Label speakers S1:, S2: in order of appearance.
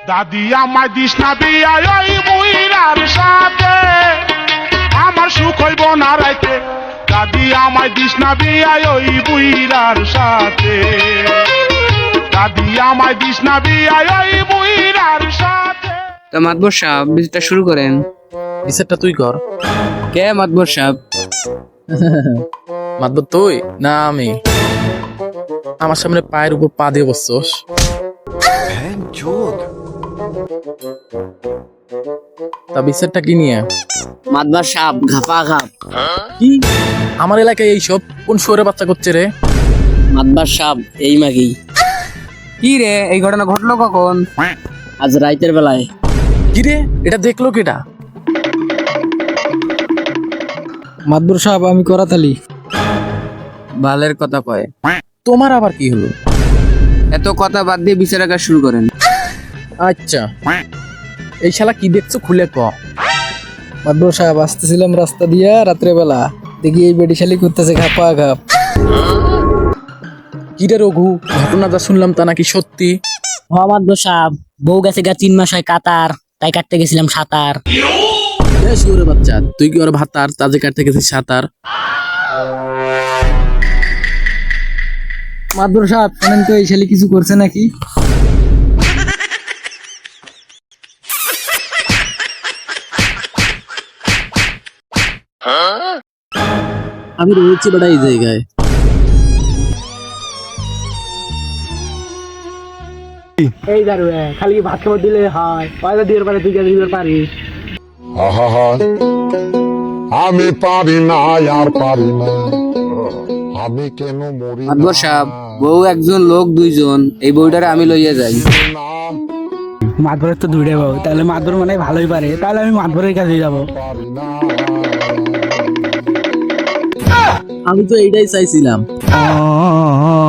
S1: দাদি আমায় দিস না বিয়া ওই বুইরার সাথে, আমার সুখ হইব না রাইতে। দাদি আমায় দিস না বিয়া ওই বুইরার সাথে, দাদি আমায় দিস না বিয়া ওই বুইরার সাথে।
S2: তো মাতবর সাহেব বিচারটা শুরু করেন।
S3: বিচারটা তুই কর।
S2: কে মাতবর সাহেব?
S3: মাতবর তুই না আমি? আমার সামনে পায়ের উপর পা দিয়ে বসছস। তা বিচারটা কি নিয়ে?
S2: মাতবর সাহেব ঘাপা ঘাপ।
S3: কি আমার এলাকায় এইসব কোন শুয়োরে বাচ্চা করছে রে?
S2: মাতবর সাহেব এই মাগি। কি রে এই ঘটনা ঘটলো কখন? আজ রাইতের বেলায়।
S3: কি রে এটা দেখলো কেটা?
S4: মাদবর সাহেব আমি করাতালি।
S2: বালের কথা কয়।
S3: তোমার আবার কি হলো?
S2: এত কথা বাদ দিয়ে বিচার আঁকা শুরু করেন।
S3: আচ্ছা এই শালা কি দেখছো খুলে ক।
S4: মাদবর সাহেব আসতেছিলাম রাস্তা দিয়া রাত্রে বেলা, দেখি এই বেডিশালি করতেছে ঘাপা ঘাপ।
S3: কি রে রঘু, ঘটনা যা শুনলাম তা নাকি সত্যি?
S5: মাদবর সাহেব বউ গেছে 3 মাস হয় কাতার, তাই কাটতে গেছিলাম সাঁতার।
S3: শুয়োরে বাচ্চা তুই কি ওর ভাতার তাজে কাটতে গেছিস সাঁতার?
S4: মাদবর সাহেব শোনেন তো, এই শালি কিছু করছে নাকি?
S3: আমি রয়েছি বেটা এই জায়গায়।
S5: এই দারু খালি ভাত খাবার দিলে হয়, পয়সা দিয়ে পারে তুই দিতে পারিস।
S6: আহা, আমি পারি না আর পারি না, আমি কেন মরি না?
S2: মাতবর সাহেব বউ একজন লোক দুইজন, এই বউটারে আমি লইয়া যাই।
S5: মাদবরের তো দুইটা বউ, তাহলে মাদবর মানে ভালোই পারে, তাহলে আমি মাদবরের কাছে যাবো।
S6: পারি না।
S3: আমি তো এইটাই চাইছিলাম।